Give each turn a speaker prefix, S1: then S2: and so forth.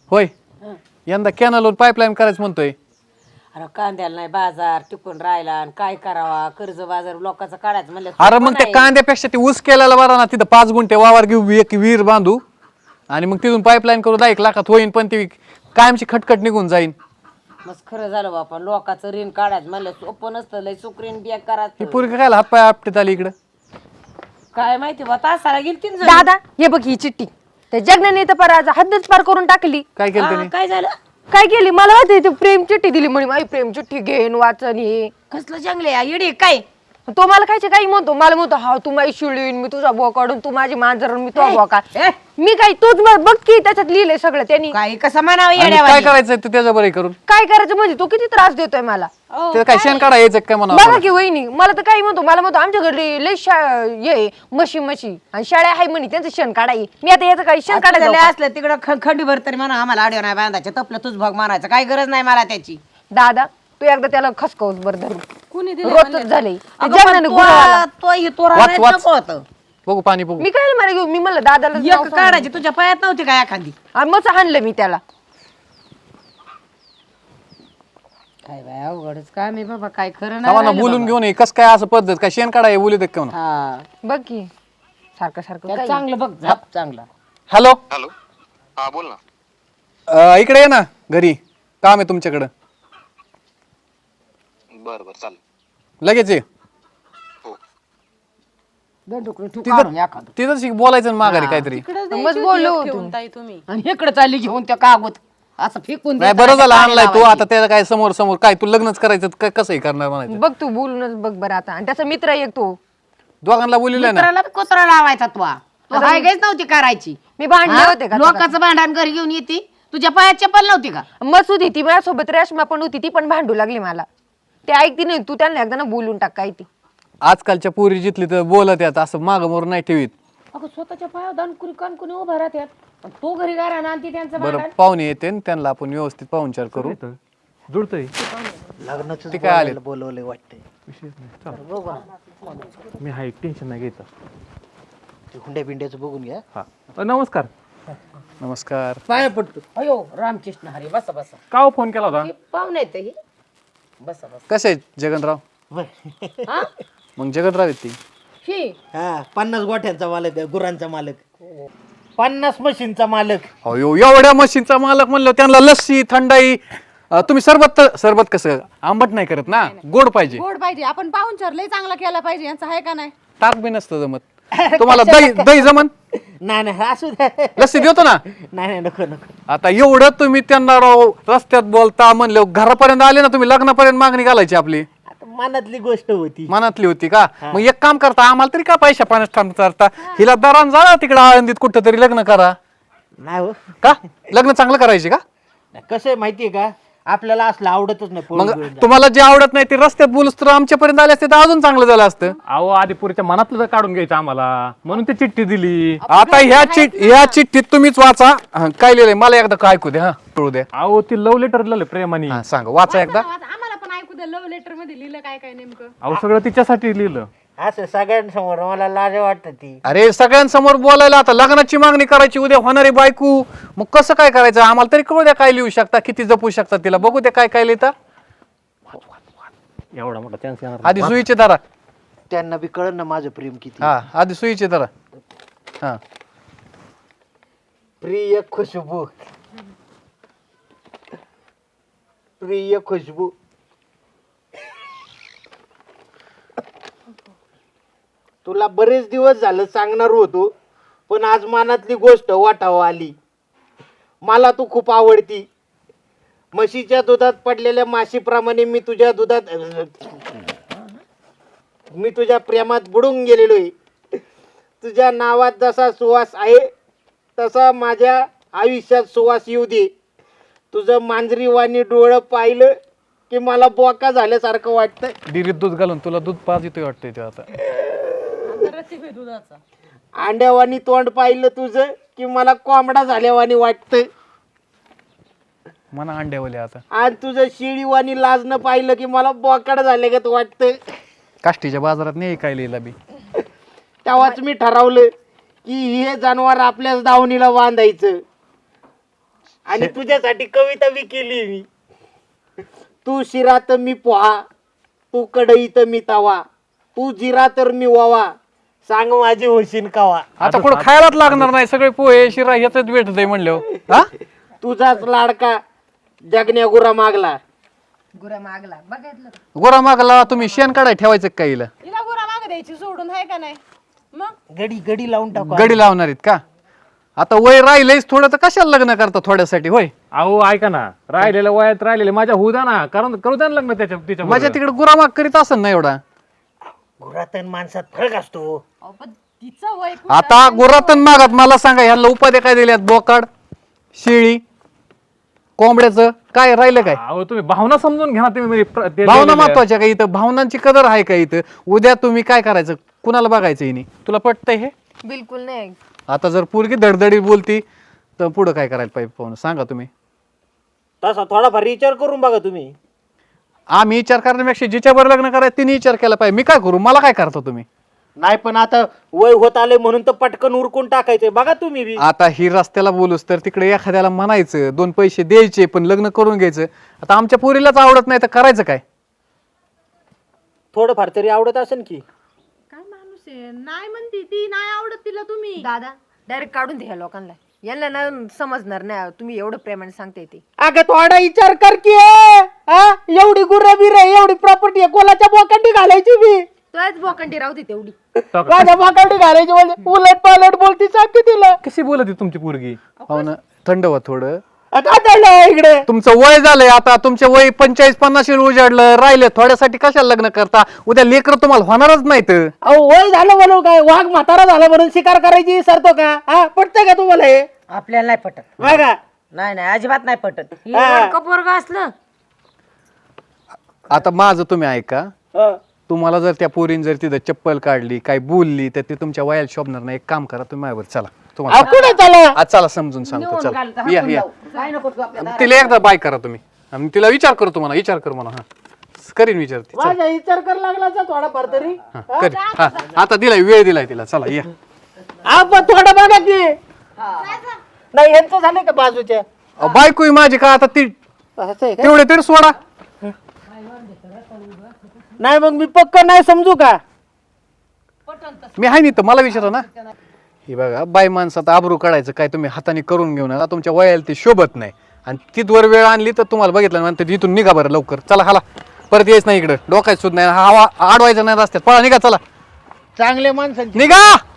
S1: होय यंदा कॅनलवर पाईपलाईन करायचं म्हणतोय.
S2: अरे कांद्याला नाही बाजार टिकून राहिला आणि काय करावा कर्ज बाजार लोकांचा काढायचं म्हणलं
S1: अरे मग त्या कांद्यापेक्षा ते ऊस केलेला बरा ना. तिथं 5 गुंठे वावर घेऊ एक विहीर बांधू आणि मग तिथून पाईपलाईन करू 1 लाखात होईन. पण ती कायमची खटखट निघून जाईन.
S2: मस्त खरं झालं बापा लोकांचं ऋण काढायचं म्हणलं सोपं नसतं लय सुकरीन बिया
S1: ही
S2: करायचं
S1: पोरगी काय हातपाय आपटीत आली इकडं.
S2: काय माहिती बा तासाला गेली तीन
S3: दादा हे बघ ही चिठ्ठी त्या जगनाने तर पार आज हद्दच पार करून टाकली.
S1: काय केलं त्याने?
S2: काय झालं
S3: काय केली मला माहिती ती प्रेम चिठ्ठी दिली म्हणे माझी प्रेम चिठ्ठी घेन वाचन हे.
S2: कसलं जंगले येडी काय
S3: तो मला खायचे काही म्हणतो मला म्हणतो हा तू माझी शिळीन मी तुझा बोकाडून तू माझी मांजर मी तो बोका.
S2: ए,
S3: मी काय तूच बघ की त्याच्यात लिहिलंय सगळं त्यांनी.
S2: काय कसं म्हणावं
S1: आणि
S2: येड्या
S1: काय करायचंय तू त्याच्या बरं करून?
S3: काय करायचं म्हणजे तो किती त्रास देतोय मला.
S1: ते काय शेण काढा यायचं काय म्हणा.
S3: बघा की वहिनी मला तर काही म्हणतो मला म्हणतो आमच्या घरी लय ये म्हशी आणि शाळा आहे म्हणे त्यांचं शेण काढाय. मी आता याचं काही शेण काढायचं
S2: काढायला असलं तिकडं खंडीभर तरी म्हणा आम्हाला आडव नाही बांधायचं तपलं तुझ भाग मारायचं काय गरज नाही मला त्याची.
S3: दादा तू एकदा त्याला खसकवस बर धरून
S2: कुणी
S3: रोजच झाले
S1: वाच, वाच. बघू पाणी बघू.
S3: मी काय मला घेऊ मी म्हणलं दादाला नाव सांग.
S2: काढायची तुझ्या पायात नव्हती काय एखादी
S3: आणि मग हाणलं मी त्याला.
S2: काय बाय अवघडच काय मी बाबा काय खरं
S1: थांबा ना
S2: नाही
S1: बोलून घेऊन ये. कस काय असं पद्धत काय शेण काढा बोलू दे का म्हणा.
S2: हा
S3: बघ की सारखं सारखं
S2: त्याला
S3: काय.
S2: चांगलं बघ झाप चांगला.
S1: हॅलो
S4: हॅलो हा बोल ना.
S1: इकडे ये ना घरी काम आहे तुमच्याकडं.
S4: बरं बरं चालेल.
S1: लगेच ये.
S4: हो
S1: तिथंच बोलायचं ना माघारी काहीतरी.
S3: मग बोललो होतो.
S2: आणि इकडे चालली घेऊन त्या कागद असं फेकून
S1: नाही बरं झालं आणलाय तू. आता त्याला काय समोर समोर काय तू लग्नच करायचं काय कसंही करणार म्हणायचं.
S3: बघ तू बोलूनच बघ बरं आता. आणि त्याचा मित्र एक तो
S1: दोघांना बोललेलं ना.
S2: मित्राला कोतरा लावायचा तू हाय काहीच नव्हती करायची.
S3: मी भांडले होते का
S2: लोकांचं भांडण घरी घेऊन येते तुझ्या पायात चप्पल नव्हती का.
S3: मसूद ती माझ्यासोबत रेशमा पण होती ती पण भांडू लागली मला. ते ऐकती नाही तू त्यांना एकदा ना बोलून टाक काय ती.
S1: आजकालच्या पोरी जिथली तर बोलत यात असं माग मोर नाही ठेवीत.
S2: अगं स्वतःच्या पायावर दानकुरी कानकुनी उभा राहतात तो घरी गारा ना ती त्यांचं
S1: बरं पाहुणे येते न त्यांना आपण व्यवस्थित पाहुणचार करू. जुळतंय
S5: लग्नाचं
S1: ते काय आले
S5: बोलवलंय वाटतंय.
S6: मी हा एक टेन्शन नाही घ्यायचं.
S5: ते हुंड्या बिंड्याचं बघून घ्या.
S6: हा नमस्कार.
S1: नमस्कार.
S2: पाया पडतो अयो रामकृष्ण हरी बसा बसा
S6: का हो फोन केला होता?
S2: पाहुणे येते ही बसा बसा
S1: कसे आहेत जगनराव?
S2: हा
S1: मग जगनराव आहेत ती.
S2: ही
S5: हा 50 गोठ्यांचा मालक आहे, गुरांचा मालक 50 मशीनचा मालक.
S1: अयो एवढ्या मशीनचा मालक म्हणलं त्यांना लस्सी थंडाई. तुम्ही सरबत कसं आंबट नाही करत ना गोड पाहिजे.
S7: गोड पाहिजे आपण पाहुणचार लय चांगला केला पाहिजे यांचा आहे का नाही.
S1: ताक बी नसतं जमत. तुम्हाला दही जमन
S5: नाही नाही असू द्या.
S1: लस्सी देतो ना.
S5: नाही नाही नको नको.
S1: आता एवढं तुम्ही त्यांना राव रस्त्यात बोलता म्हणलं घरापर्यंत आले ना तुम्ही लग्नापर्यंत मागणी घालायची आपली.
S5: आता मनातली गोष्ट होती.
S1: मनातली होती का. मग एक काम करता आम्हाला तरी का पैशा पाण्यात थांबता. हिला दरान जा तिकडे आळंदीत कुठं तरी लग्न करा.
S5: नाही हो
S1: का लग्न चांगलं करायचे का.
S5: कसं आहे माहितीये का आपल्याला असलं आवडतच नाही.
S1: मग
S5: पोरं बिरं.
S1: तुम्हाला जे आवडत नाही ते रस्त्यात बोलूस तर आमच्यापर्यंत आले असते तर अजून चांगलं झालं असतं.
S6: अहो आदिपुरीच्या मनातलं काढून घ्यायचं आम्हाला म्हणून ते चिठ्ठी दिली.
S1: आता ह्या चिठ्ठीत तुम्हीच वाचा. काय लिहिलंय मला एकदा काय ऐकू दे. हा कळू दे.
S6: अहो ती लव्ह लेटर लिहिलं प्रेमाने.
S1: हा सांग वाचा एकदा.
S7: आम्हाला पण ऐकू द्या लव्ह लेटर मध्ये लिहिलं काय काय नेमकं.
S6: अहो सगळं तिच्यासाठी लिहिलं.
S5: असं सगळ्यांसमोर मला लाज वाटत ती.
S1: अरे सगळ्यांसमोर बोलायला आता लग्नाची मागणी करायची उद्या होणारी बायको. मग कसं काय करायचं आम्हाला तरी कळू द्या काय लिहू शकता किती जपू शकता तिला बघू द्या काय काय लिहिता.
S6: एवढा मोठा चान्स येणार
S1: आधी सुईचे धरा.
S5: त्यांना बी कळन ना माझं प्रेम किती.
S1: हा आधी सुईचे धरा. हा
S5: प्रिय खुशबू प्रिय खुशबू तुला बरेच दिवस झालं सांगणार होतो पण आज मनातली गोष्ट वाटावं आली. मला तू खूप आवडती. म्हशीच्या दुधात पडलेल्या माशीप्रमाणे मी तुझ्या प्रेमात बुडून गेलेलोय. तुझ्या नावात जसा सुवास आहे तसा माझ्या आयुष्यात सुवास येऊ दे. तुझं मांजरी वाणी डोळं पाहिलं की मला बोका झाल्यासारखं वाटतं.
S1: डिरीत दूध घालून तुला दूध पाच येतोय वाटतंय ते आता.
S5: अंड्यावानी तोंड पाहिलं तुझं की मला कोंबडा झाल्यावानी वाटतं.
S1: मना अंड्यावले आता.
S5: आणि तुझं शिळीवानी लाजणं पाहिलं की मला बोकाड झाल्यागत वाटतं.
S1: काष्टीच्या बाजारात नाही काय लिहिला बी.
S5: तेव्हाच मी ठरवलं की हे जनावर आपल्याच दावणीला बांधायचं आणि तुझ्यासाठी कविता बी केली मी. तू शिरा तर मी पोहा, तू कढई तर मी तवा, तू जिरा तर मी वावा, सांग माझी होशील कावा.
S1: आता पुढे खायलाच लागणार नाही, सगळे पोहे शिरा ह्याच भेटत आहे म्हणल्यावर. हा
S5: तुझाच लाडका जगण्या गुरा मागला.
S3: गुरा मागला बघितलं का?
S1: गोरा मागला तुम्ही शेण काढाय ठेवायचं का हिला?
S7: हिला गुरा माग द्यायची सोडून आहे का नाही मग?
S5: गडी लावून टाकू.
S1: गडी लावणार आहेत का? आता वय राहिलंयच थोडं, तर कशाला लग्न करता थोड्यासाठी? होय,
S6: अहो ऐका ना, राहिलेल्या वयात राहिलेले माझ्या होऊ द्या ना, कारण करू द्या ना लग्न तिच्या
S1: माझ्या तिकडे गुरामाग करीत असेल ना एवढा.
S5: गुरातन माणसात फरक असतो.
S7: अहो, पण तिचं वय
S1: आता गुरातन मागात मला सांगा, ह्याला उपाध्या काय दिल्यात? बोकाड, शेळी, कोंबड्याचं काय राहिलं काय?
S6: अहो तुम्ही भावना समजून घ्या ना तुम्ही म्हणजे ते
S1: भावना
S6: लिहिलेलं आहे.
S1: महत्वाच्या का इथं? भावनांची कदर आहे का इथं? उद्या तुम्ही काय करायचं? कुणाला बघायचं हिने? तुला पटतंय हे?
S3: बिलकुल नाही.
S1: आता जर पोरगी धडधडी बोलती तर पुढं काय करायला पाहिजे पाहून सांगा तुम्ही.
S5: तसा थोडाफार विचार करून बघा तुम्ही.
S1: आम्ही विचार करण्यापेक्षा जिच्यावर लग्न करायचं तिने विचार केला पाहिजे. मी काय करू? मला काय करता तुम्ही?
S5: नाही पण आता वय होत आले म्हणून तर पटकन उरकून टाकायचे. बघा तुम्ही बी.
S1: आता ही रस्त्याला बोलूस तर तिकडे एखाद्याला म्हणायचं, 2 पैसे द्यायचे, पण लग्न करून घ्यायचं. आता आमच्या पोरीलाच आवडत नाही तर करायचं काय?
S5: थोडंफार तरी आवडत असेल की.
S7: काय माणूस आहे, नाही म्हणती ती, नाही आवडत तिला तुम्ही.
S3: दादा डायरेक्ट काढून द्या लोकांना, यांना ना समजणार नाही तुम्ही एवढं प्रेमाने सांगते ते.
S5: अगं थोडा विचार कर की. हा, एवढी गुर्र बिर एवढी प्रॉपर्टी आहे, कोणाच्या बोकांडी घालायची बी?
S3: तोच बोकंडी राहते तेवढी.
S5: माझ्या बोकांडी घालायची म्हणजे उलट पालट बोलती सांगते तिला.
S6: कशी बोलत आहे तुमची पोरगी?
S1: हो ना, थंड व्हा थोडं.
S5: काय झालं इकडे?
S1: तुमचं वय झालंय आता, तुमचे वय 45-50 उजाडलं, राहिले थोड्यासाठी कशाला लग्न करता? उद्या लेकर तुम्हाला होणारच नाहीत.
S5: अहो वय झालं म्हणून काय? वाघ म्हातारा झाला म्हणून शिकार करायची सरतो का? हा, पटतंय का तुम्हाला हे?
S2: आपल्याला नाही पटत.
S5: बघा.
S2: नाही नाही अजिबात नाही पटत.
S3: पोरग असलं
S1: आता माझं तुम्ही ऐका.
S5: हा.
S1: तुम्हाला जर त्या पोरीन जर तिथं चप्पल काढली, काय बोलली, तर ते तुमच्या वयाला शोभणार नाही. एक काम करा, तुम्ही माझ्यावर चला.
S5: अहो, कुठे चला?
S1: आज चला समजून सांगतो. चला या या. तिला एकदा बाय करा तुम्ही, आणि तिला विचार करू, तुम्हाला विचार करू म्हणा. हा, करीन विचार ती.
S5: माझा विचार कर लागला थोडाफार तरी.
S1: हा, करीन. हा, आता दिलाय, वेळ दिलाय तिला. चला या.
S5: आपण थोडं बघा की. नाही यांचं झालं का बाजूच्या?
S1: बायको ही माझी का आता ती?
S5: असं आहे का?
S1: तेवढे तरी सोडा.
S5: नाही मग मी पक्क नाही समजू का?
S1: मी आहे नाही तर मला विचारा ना. हे बघा, बाई माणसात आबरू काढायचं काय तुम्ही हाताने करून घेऊ नका. तुमच्या वयाला ते शोभत नाही, आणि तिथवर वेळ आणली तर तुम्हाला बघितलं म्हणते इथून निघा बरं लवकर. चला हाला, परत यायच नाही इकडं. डोकायचं सुद्धा नाही, हवा आडवायचं नाही रस्त्यात. पळा निघा, चला
S5: चांगले माणसांची
S1: निघा.